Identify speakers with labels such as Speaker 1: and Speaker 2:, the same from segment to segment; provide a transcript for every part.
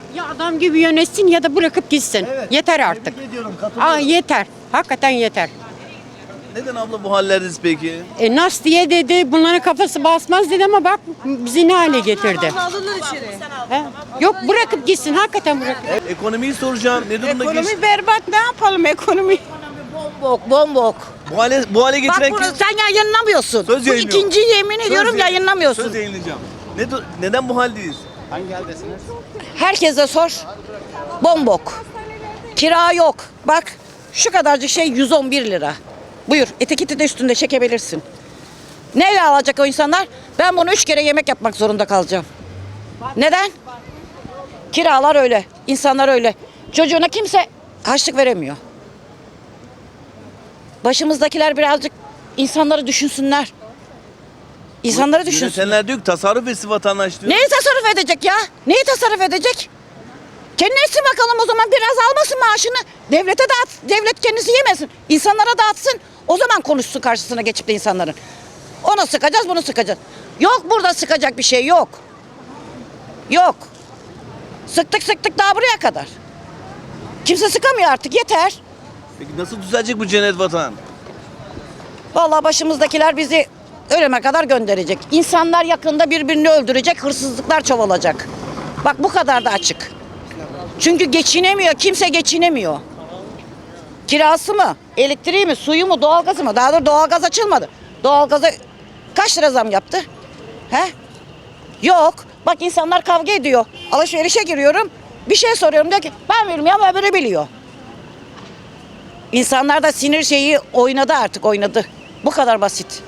Speaker 1: Ya adam gibi yönetsin ya da bırakıp gitsin.
Speaker 2: Evet.
Speaker 1: Yeter artık.
Speaker 2: Tebrik ediyorum, katılıyorum.
Speaker 1: Yeter. Hakikaten yeter.
Speaker 2: Neden abla bu hallerdeyiz peki?
Speaker 1: Nas diye dedi, bunların kafası basmaz dedi ama bak bizi ne hale getirdi.
Speaker 3: Alınır içeri.
Speaker 1: He? Yok bırakıp gitsin, hakikaten bırakıp.
Speaker 2: Ekonomiyi soracağım. Ne durumda
Speaker 3: Ekonomi berbat, ne yapalım ekonomi? Bombok, bombok.
Speaker 2: bu hale
Speaker 3: Bak
Speaker 2: getiren
Speaker 3: bunu
Speaker 2: kim?
Speaker 3: sen yayınlamıyorsun.
Speaker 2: Söz
Speaker 3: Bu
Speaker 2: yayınlıyorum.
Speaker 3: ikinci yemin ediyorum
Speaker 2: Söz
Speaker 3: yayınlamıyorsun.
Speaker 2: Söz yayınlayacağım. Neden bu haldeyiz?
Speaker 3: Herkese sor. Bombok. Kira yok. Bak şu kadarcık şey 111 lira. Buyur etiketi de üstünde çekebilirsin. Neyle alacak o insanlar? Ben bunu 3 kere yemek yapmak zorunda kalacağım. Neden? Kiralar öyle. İnsanlar öyle. Çocuğuna kimse harçlık veremiyor. Başımızdakiler birazcık insanları düşünsünler. İnsanları düşünsün.
Speaker 2: Yönetenler diyor ki tasarruf etsin vatandaş diyor.
Speaker 3: Neyi tasarruf edecek ya? Neyi tasarruf edecek? Kendine etsin bakalım o zaman biraz almasın maaşını. Devlete dağıt. Devlet kendisi yemesin. İnsanlara dağıtsın. O zaman konuşsun karşısına geçip de insanların. Onu sıkacağız bunu sıkacağız. Yok burada sıkacak bir şey yok. Yok. Sıktık daha buraya kadar. Kimse sıkamıyor artık yeter.
Speaker 2: Peki nasıl düzelecek bu cennet vatan?
Speaker 3: Vallahi başımızdakiler bizi ölüme kadar gönderecek. İnsanlar yakında birbirini öldürecek, hırsızlıklar çoğalacak. Bak bu kadar da açık. Çünkü geçinemiyor, kimse geçinemiyor. Kirası mı, elektriği mi, suyu mu, doğalgazı mı? Daha da doğalgaz açılmadı. Doğalgaza kaç lira zam yaptı? He? Yok. Bak insanlar kavga ediyor. Alışverişe giriyorum. Bir şey soruyorum diyor ki ben bilmiyorum ama öbürü biliyor. İnsanlar da sinir şeyi oynadı artık oynadı. Bu kadar basit.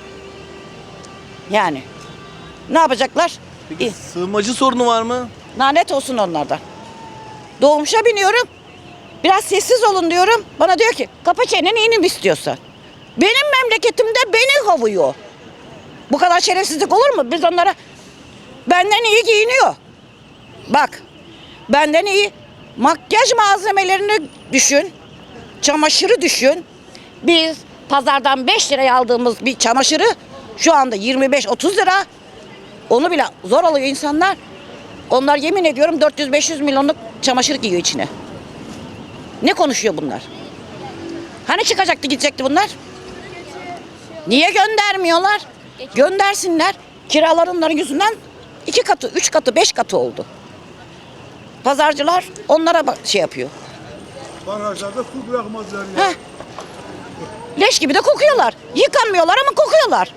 Speaker 3: Yani. Ne yapacaklar?
Speaker 2: Peki sığınmacı sorunu var mı?
Speaker 3: Lanet olsun onlardan. Dolmuşa biniyorum. Biraz sessiz olun diyorum. Bana diyor ki kapa çeneni inim istiyorsan. Benim memleketimde beni kovuyor. Bu kadar şerefsizlik olur mu? Biz onlara benden iyi giyiniyor. Bak benden iyi makyaj malzemelerini düşün. Çamaşırı düşün. Biz pazardan 5 liraya aldığımız bir çamaşırı şu anda 25-30 lira. Onu bile zor alıyor insanlar. Onlar yemin ediyorum 400-500 milyonluk çamaşır giyiyor içine. Ne konuşuyor bunlar? Hani çıkacaktı gidecekti bunlar? Niye göndermiyorlar? Göndersinler. Kiralar onların yüzünden 2 katı, 3 katı, 5 katı oldu. Pazarcılar onlara şey yapıyor.
Speaker 4: Barajlarda su bırakmazlar ya.
Speaker 3: Heh. Leş gibi de kokuyorlar. Yıkanmıyorlar ama kokuyorlar.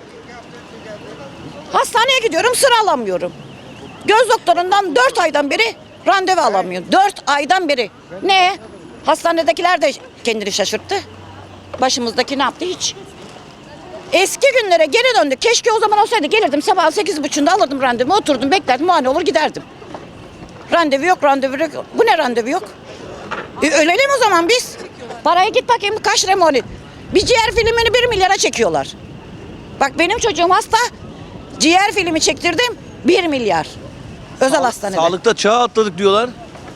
Speaker 3: Hastaneye gidiyorum sıra alamıyorum. Göz doktorundan 4 aydan beri randevu alamıyorum. 4 aydan beri. Ne? Hastanedekiler de kendini şaşırttı. Başımızdaki ne yaptı hiç? Eski günlere geri döndük. Keşke o zaman olsaydı gelirdim sabah 8.30'da alırdım randevumu oturdum beklerdim muayene olur giderdim. Randevu yok randevu yok. Bu ne randevu yok? Ölelim o zaman biz. Paraya git bakayım kaç lira mı? Bir ciğer filmini 1 milyara çekiyorlar. Bak benim çocuğum hasta. Ciğer filmi çektirdim 1 milyar. Özel hastanede.
Speaker 2: Sağlıkta çağ atladık diyorlar.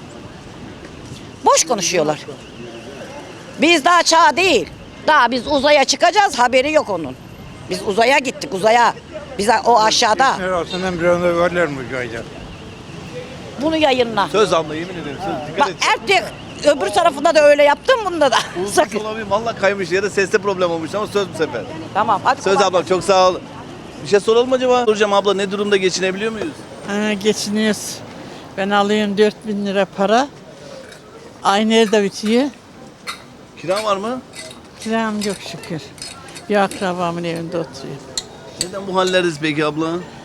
Speaker 3: Boş konuşuyorlar. Biz daha çağ değil. Daha biz uzaya çıkacağız haberi yok onun. Biz uzaya gittik uzaya. Biz o aşağıda.
Speaker 4: Her altından bir anda varlar mı uzayda?
Speaker 3: Bunu yayınla.
Speaker 2: Söz abla yemin ederim söz. Dikkat
Speaker 3: Bak
Speaker 2: et.
Speaker 3: erkek öbür tarafında da öyle yaptım bunda da.
Speaker 2: Uzun
Speaker 3: Sakın.
Speaker 2: olabilir. Valla kaymış ya da seste problem olmuş ama söz bu sefer.
Speaker 3: Tamam hadi.
Speaker 2: Söz
Speaker 3: kolay
Speaker 2: abla çok sağ ol. Bir şey soralım mı acaba? Soracağım abla ne durumda geçinebiliyor muyuz?
Speaker 5: Geçiniyoruz. Ben alıyorum 4.000 lira para. Aynı evde bitiyor.
Speaker 2: Kira var mı?
Speaker 5: Kiram yok şükür. Bir akrabamın evinde oturuyor.
Speaker 2: Neden bu hallerdeyiz peki abla?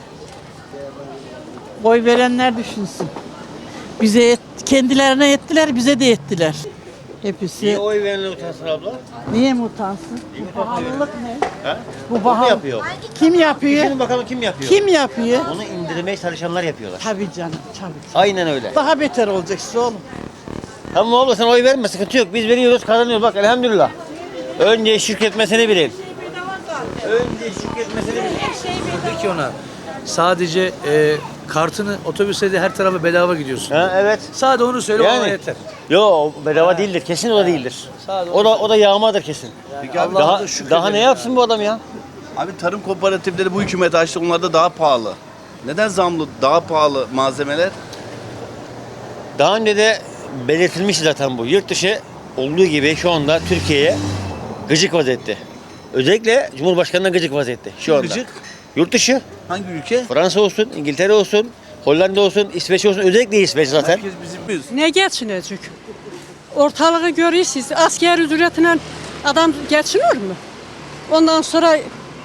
Speaker 5: Oy verenler düşünsün. Kendilerine yettiler, bize de yettiler. Hepsi.
Speaker 6: Niye oy verenler utansın abla?
Speaker 5: Niye mi utansın? Bu pahalılık ne?
Speaker 6: He?
Speaker 5: Bu
Speaker 6: Kim
Speaker 5: pahalı.
Speaker 6: yapıyor?
Speaker 5: Kim yapıyor?
Speaker 6: Düşünün bakalım kim yapıyor?
Speaker 5: Kim yapıyor?
Speaker 6: Onu indirmeye çalışanlar yapıyorlar.
Speaker 5: Tabii canım, tabii.
Speaker 6: Aynen öyle.
Speaker 5: Daha beter olacaksın oğlum.
Speaker 6: Tamam abla sen oy verme sıkıntı yok. Biz veriyoruz kazanıyoruz bak elhamdülillah. Önce şükretmesini bilin. Önce şükretmesini bilin.
Speaker 7: Peki ona sadece kartını otobüste de her tarafa bedava gidiyorsun.
Speaker 6: Ha, evet.
Speaker 7: Sadece onu söyle ona yeter.
Speaker 6: Yo bedava değildir. Kesin o da değildir. O da yağmadır kesin.
Speaker 2: Peki abi
Speaker 6: Daha ne yapsın bu adam ya?
Speaker 2: Abi tarım kooperatifleri bu hükümet açtı. Onlar da daha pahalı. Neden zamlı, daha pahalı malzemeler?
Speaker 6: Daha önce de belirtilmiş zaten bu. Yurt dışı olduğu gibi şu anda Türkiye'ye gıcık vaziyette. Özellikle Cumhurbaşkanı'na gıcık vaziyette şu anda.
Speaker 2: Gıcık?
Speaker 6: Yurt dışı,
Speaker 2: Hangi ülke?
Speaker 6: Fransa olsun, İngiltere olsun, Hollanda olsun, İsveç olsun. Özellikle İsveç zaten.
Speaker 2: Herkes bizim miyiz?
Speaker 1: Ne geçinecek? Ortalığı görüyorsunuz. Asker ücretiyle adam geçiniyor mu? Ondan sonra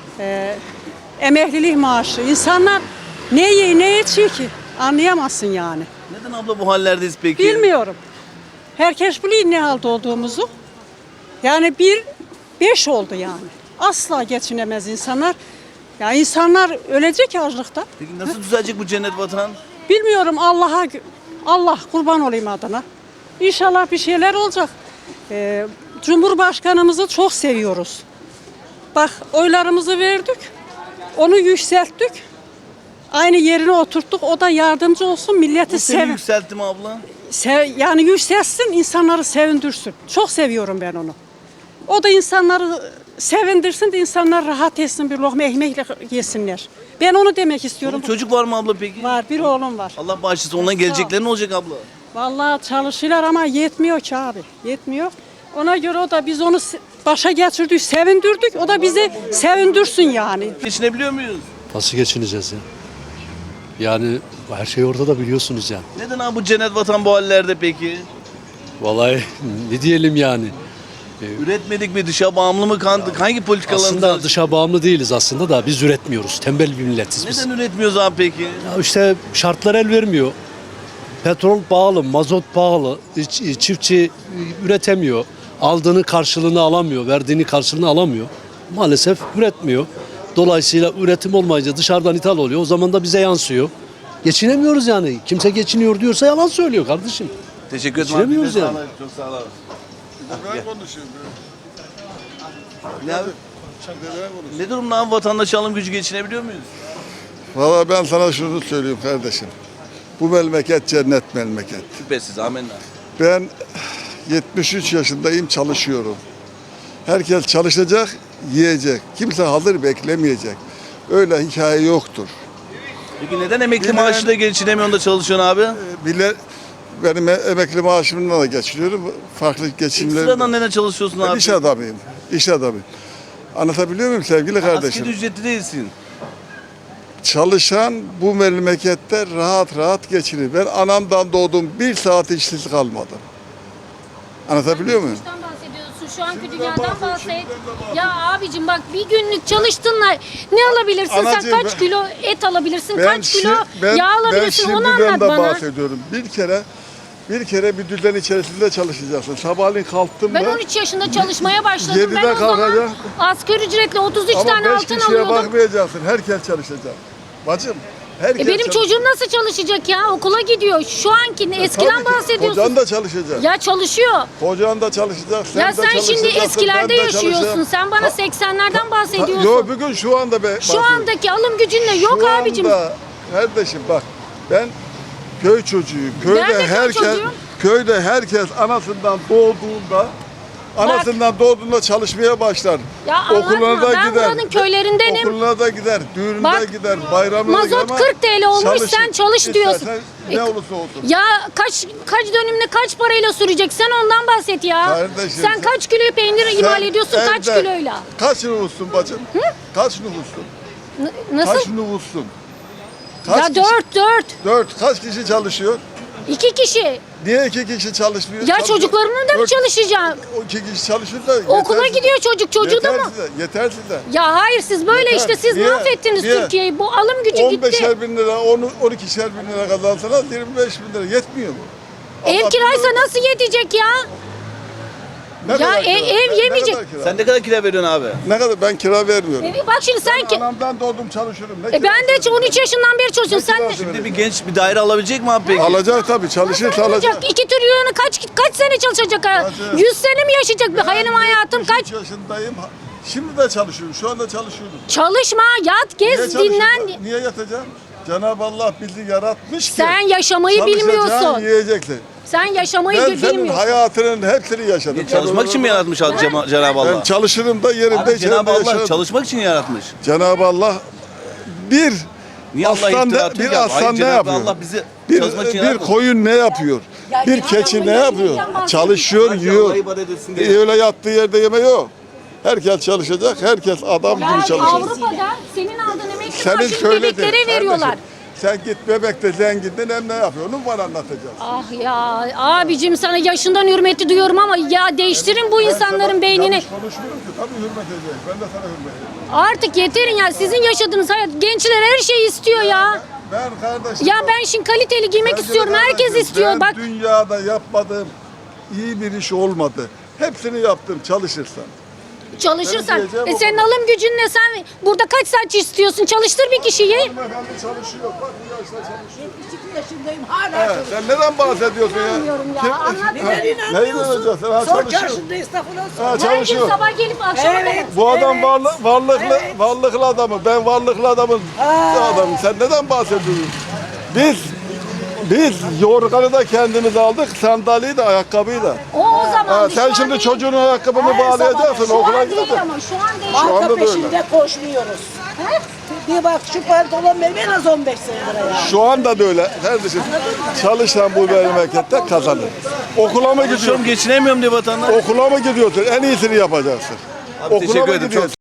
Speaker 1: emeklilik maaşı. İnsanlar ne yiyor ne içiyor ki? Anlayamazsın yani.
Speaker 2: Neden abla bu hallerdeyiz peki?
Speaker 1: Bilmiyorum. Herkes biliyor ne halde olduğumuzu. Yani 5 oldu yani. Asla geçinemez insanlar. Ya insanlar ölecek açlıktan.
Speaker 2: Peki nasıl düzelecek bu cennet vatan?
Speaker 1: Bilmiyorum Allah kurban olayım adına. İnşallah bir şeyler olacak. Cumhurbaşkanımızı çok seviyoruz. Bak oylarımızı verdik. Onu yükselttik. Aynı yerine oturttuk. O da yardımcı olsun milleti
Speaker 2: Bu seni
Speaker 1: sevin.
Speaker 2: yükseltti mi abla?
Speaker 1: Yani yükselsin, insanları sevindirsin. Çok seviyorum ben onu. O da insanları sevindirsin de insanlar rahat etsin, bir lokma ekmekle yesinler. Ben onu demek istiyorum.
Speaker 2: Çocuk var mı abla peki?
Speaker 1: Var, bir oğlum var.
Speaker 2: Allah bağışlasın. Ondan gelecekleri ne olacak abla?
Speaker 1: Vallahi çalışıyorlar ama yetmiyor ki abi. Yetmiyor. Ona göre o da biz onu başa geçirdik, sevindirdik. O da bizi sevindirsin yani.
Speaker 2: Geçinebiliyor muyuz?
Speaker 8: Nasıl geçineceğiz ya? Yani her şey ortada biliyorsunuz yani.
Speaker 2: Neden abi bu cennet vatan bu hallerde peki?
Speaker 8: Vallahi ne diyelim yani.
Speaker 2: Üretmedik mi? Dışa bağımlı mı kandık? Hangi politikalarımız
Speaker 8: Aslında
Speaker 2: var?
Speaker 8: dışa bağımlı değiliz aslında da biz üretmiyoruz. Tembel bir milletiz biz.
Speaker 2: Neden üretmiyoruz abi peki?
Speaker 8: Ya işte şartlar el vermiyor. Petrol pahalı, mazot pahalı. Çiftçi üretemiyor. Aldığını karşılığını alamıyor, verdiğini karşılığını alamıyor. Maalesef üretmiyor. Dolayısıyla üretim olmayınca dışarıdan ithal oluyor. O zaman da bize yansıyor. Geçinemiyoruz yani. Kimse geçiniyor diyorsa yalan söylüyor kardeşim.
Speaker 2: Teşekkür ederim.
Speaker 8: Geçinemiyoruz
Speaker 2: abi.
Speaker 8: yani.
Speaker 2: Çok sağ ol abi.
Speaker 4: Ben konuşuyorum.
Speaker 2: Ne abi? Ne durumda abi vatandaş alım gücü geçinebiliyor muyuz?
Speaker 9: Valla ben sana şunu söyleyeyim kardeşim. Bu memleket cennet memleket.
Speaker 2: Şüphesiz amenna.
Speaker 9: Ben 73 yaşındayım, çalışıyorum. Herkes çalışacak, yiyecek. Kimse hazır beklemeyecek. Öyle hikaye yoktur.
Speaker 2: Peki neden emekli
Speaker 9: Bilen-
Speaker 2: maaşıyla geçinemiyorsun da çalışıyorsun abi?
Speaker 9: Bile benim emekli maaşımla da geçiriyorum. Farklı geçimlerim.
Speaker 2: Ekstradan neden çalışıyorsun
Speaker 9: Ben
Speaker 2: abi?
Speaker 9: iş adamıyım. İş adamıyım. Anlatabiliyor muyum sevgili kardeşim?
Speaker 2: Asgari ücretli değilsin.
Speaker 9: Çalışan bu memlekette rahat rahat geçinir. Ben anamdan doğdum, bir saat işsiz kalmadım. Anlatabiliyor muyum?
Speaker 10: Geçmişten bahsediyorsun. Şu anki dünyadan bahset. Ya abicim bak bir günlük çalıştın da ne alabilirsin?
Speaker 9: Anacığım,
Speaker 10: Sen kaç kilo et alabilirsin? Kaç kilo
Speaker 9: ben
Speaker 10: yağ alabilirsin? Onu
Speaker 9: şimdiden
Speaker 10: anlat
Speaker 9: de
Speaker 10: bana.
Speaker 9: bahsediyorum. Bir kere bir düzen içerisinde çalışacaksın. Sabahleyin kalktın
Speaker 10: Ben
Speaker 9: mı?
Speaker 10: 13 yaşında çalışmaya başladım.
Speaker 9: 7'de
Speaker 10: Ben o zaman
Speaker 9: kalkacak.
Speaker 10: asgari ücretle 33
Speaker 9: Ama
Speaker 10: tane
Speaker 9: 5
Speaker 10: altın
Speaker 9: kişiye
Speaker 10: alıyordum.
Speaker 9: bakmayacaksın. Herkes çalışacak. Bacım, herkes
Speaker 10: Benim
Speaker 9: çalışacak.
Speaker 10: çocuğum nasıl çalışacak ya? Okula gidiyor. Şu anki eskiden
Speaker 9: Tabii ki,
Speaker 10: bahsediyorsun.
Speaker 9: Kocan da çalışacak.
Speaker 10: Ya çalışıyor.
Speaker 9: Kocan da çalışacak.
Speaker 10: Ya
Speaker 9: de
Speaker 10: sen şimdi
Speaker 9: çalışacaksın,
Speaker 10: eskilerde
Speaker 9: ben de
Speaker 10: yaşıyorsun.
Speaker 9: çalışacağım.
Speaker 10: Sen bana 80'lerden bahsediyorsun.
Speaker 9: Yok bugün şu anda
Speaker 10: Şu
Speaker 9: bahsediyorum.
Speaker 10: andaki alım gücünle yok
Speaker 9: Şu
Speaker 10: abicim.
Speaker 9: anda kardeşim bak ben köy çocuğuyum.
Speaker 10: Ben de köy çocuğuyum.
Speaker 9: Köyde herkes anasından doğduğunda çalışmaya başlar.
Speaker 10: Ya anlatma, ben buranın köylerindenim.
Speaker 9: Okuluna da gider, düğününe
Speaker 10: Bak,
Speaker 9: gider, bayramına
Speaker 10: mazot
Speaker 9: gider ama
Speaker 10: 40 TL olmuş,
Speaker 9: çalışır.
Speaker 10: sen çalış diyorsun.
Speaker 9: İstersen ne olursa olsun.
Speaker 10: Ya kaç dönümle kaç parayla sürecek? Sen ondan bahset ya.
Speaker 9: Kardeşim,
Speaker 10: sen kaç kilo peynir imal ediyorsun kaç
Speaker 9: evde
Speaker 10: kiloyla?
Speaker 9: Kaç nüfussun bacım? Kaç nüfussun?
Speaker 10: Nasıl?
Speaker 9: Kaç nüfussun?
Speaker 10: Ya 4.
Speaker 9: 4. Kaç kişi çalışıyor?
Speaker 10: 2 kişi.
Speaker 9: Niye 2 kişi çalışmıyor?
Speaker 10: Ya çocuklarının da mı çalışacak?
Speaker 9: O 2 kişi çalışıyor da
Speaker 10: Okula
Speaker 9: yetersiz
Speaker 10: gidiyor
Speaker 9: de.
Speaker 10: çocuk, çocuğu da mı?
Speaker 9: Yetersiz de.
Speaker 10: Ya hayır siz böyle
Speaker 9: Yeter.
Speaker 10: işte siz
Speaker 9: Niye?
Speaker 10: mahvettiniz
Speaker 9: Niye?
Speaker 10: Türkiye'yi. Bu alım gücü gitti.
Speaker 9: 15'er bin lira, 12'şer bin lira kazansalar 25 bin lira yetmiyor mu?
Speaker 10: Ev
Speaker 9: Allah
Speaker 10: kiraysa
Speaker 9: bilir.
Speaker 10: nasıl yetecek ya?
Speaker 9: Ne
Speaker 10: Ya
Speaker 9: kadar kira?
Speaker 10: ev
Speaker 9: Ne
Speaker 10: yemeyecek.
Speaker 9: kadar kira?
Speaker 2: Sen ne kadar kira veriyorsun abi?
Speaker 9: Ne kadar? Ben kira vermiyorum.
Speaker 10: Bak şimdi sen ki
Speaker 9: Anamdan doğdum çalışıyorum. Ne
Speaker 10: ben de
Speaker 9: kirası
Speaker 10: 13 yaşından beri çalışıyorum. Sen de
Speaker 2: Şimdi bir genç bir daire alabilecek mi abi peki?
Speaker 9: Alacak tabii, çalışırsa alacak.
Speaker 10: alacak 2 trilyonu kaç sene çalışacak ha?
Speaker 9: Hacı.
Speaker 10: 100 sene mi yaşayacak? Bir hayalim hayatım
Speaker 9: 73
Speaker 10: kaç?
Speaker 9: yaşındayım. Şimdi de çalışıyorum. Şu anda çalışıyorum.
Speaker 10: Çalışma, yat, gez,
Speaker 9: çalışıyorsun?
Speaker 10: dinlen.
Speaker 9: Niye yatacağım? Cenab-ı Allah bizi yaratmış ki.
Speaker 10: Sen yaşamayı
Speaker 9: çalışacaksın,
Speaker 10: bilmiyorsun.
Speaker 9: yiyeceksin.
Speaker 10: Sen yaşamayı
Speaker 9: Ben senin
Speaker 10: bilmiyorsun.
Speaker 9: hayatının hepsini yaşadım.
Speaker 2: Çalışmak için mi yaratmış Cenab-ı
Speaker 9: Ben
Speaker 2: Allah?
Speaker 9: çalışırım da yerimde
Speaker 2: Abi Cenab-ı Allah
Speaker 9: yaşarım.
Speaker 2: çalışmak için yaratmış.
Speaker 9: Cenab-ı Allah
Speaker 2: Niye Allah
Speaker 9: aslan
Speaker 2: iftira
Speaker 9: da,
Speaker 2: atıyor
Speaker 9: bir
Speaker 2: ki abi? Hayır,
Speaker 9: aslan ne
Speaker 2: Cenab-ı
Speaker 9: yapıyor?
Speaker 2: Allah bizi
Speaker 9: Bir,
Speaker 2: çalışmak için
Speaker 9: bir
Speaker 2: yaratmadı.
Speaker 9: koyun ne yapıyor? Bir keçi ne yapıyor? Çalışıyor, yiyor. Öyle yattığı yerde yeme yok. Herkes çalışacak, herkes adam gibi çalışacak.
Speaker 10: Avrupa'da senin aldığın emekli
Speaker 9: Senin
Speaker 10: maaşını
Speaker 9: söylediğin.
Speaker 10: bebeklere veriyorlar.
Speaker 9: Kardeşim, sen git bebekte zenginden hem ne yapıyorsun bana anlatacaksın.
Speaker 10: Ah ya abicim sana yaşından hürmeti duyuyorum ama ya değiştirin bu insanların beynini.
Speaker 9: Yanlış konuşmuyorum ki tabii hürmet edeceğim. Ben de sana hürmet edeceğim.
Speaker 10: Artık yeterin ya sizin yaşadığınız hayat. Gençler her şeyi istiyor ya.
Speaker 9: Ben kardeşim.
Speaker 10: Ya ben şimdi kaliteli giymek
Speaker 9: Bence
Speaker 10: istiyorum.
Speaker 9: de
Speaker 10: Herkes
Speaker 9: kardeşim,
Speaker 10: istiyor.
Speaker 9: ben
Speaker 10: Bak
Speaker 9: dünyada yapmadığım iyi bir iş olmadı. Hepsini yaptım çalışırsan.
Speaker 10: çalışırsan.
Speaker 9: benim diyeceğim o
Speaker 10: Senin
Speaker 9: kadar.
Speaker 10: alım gücün ne? Sen burada kaç saat istiyorsun? Çalıştır bir kişiyi.
Speaker 9: Hanımefendi çalışıyor. Bak bu yaşta çalışıyor. 72 yaşındayım hala. Sen neden bahsediyorsun ya?
Speaker 10: İnanmıyorum ya. Anlat.
Speaker 9: Neyi inanacaksın? Sen ha çalışıyor. Ha
Speaker 10: Her gün
Speaker 9: çalışıyor.
Speaker 10: sabah gelip akşama kadar.
Speaker 9: Bu adam varlıklı adamı. Ben varlıklı adamım. Adamım. Sen neden bahsediyorsun? Biz yorganı da kendimiz aldık, sandalyeyi de ayakkabıyı da.
Speaker 10: O zaman.
Speaker 9: Ha,
Speaker 10: şu
Speaker 9: sen
Speaker 10: an
Speaker 9: şimdi
Speaker 10: değil.
Speaker 9: çocuğunun ayakkabını bağlayacaksın,
Speaker 10: Şu
Speaker 9: okula
Speaker 10: an değil
Speaker 9: gideceksin.
Speaker 10: ama şu an değil.
Speaker 9: Şu anda
Speaker 11: Marka
Speaker 9: da öyle.
Speaker 11: peşinde koşmuyoruz. Bir bak şu pantolon benim en az 15 senedir ya.
Speaker 9: Şu anda da öyle. Kardeşim çalışan bu memlekette kazanır. Okula mı gidiyorsun?
Speaker 2: Geçinemiyorum diye vatandaş.
Speaker 9: Okula mı gidiyorsun? En iyisini yapacaksın.
Speaker 2: Abi, teşekkür ederim. Çok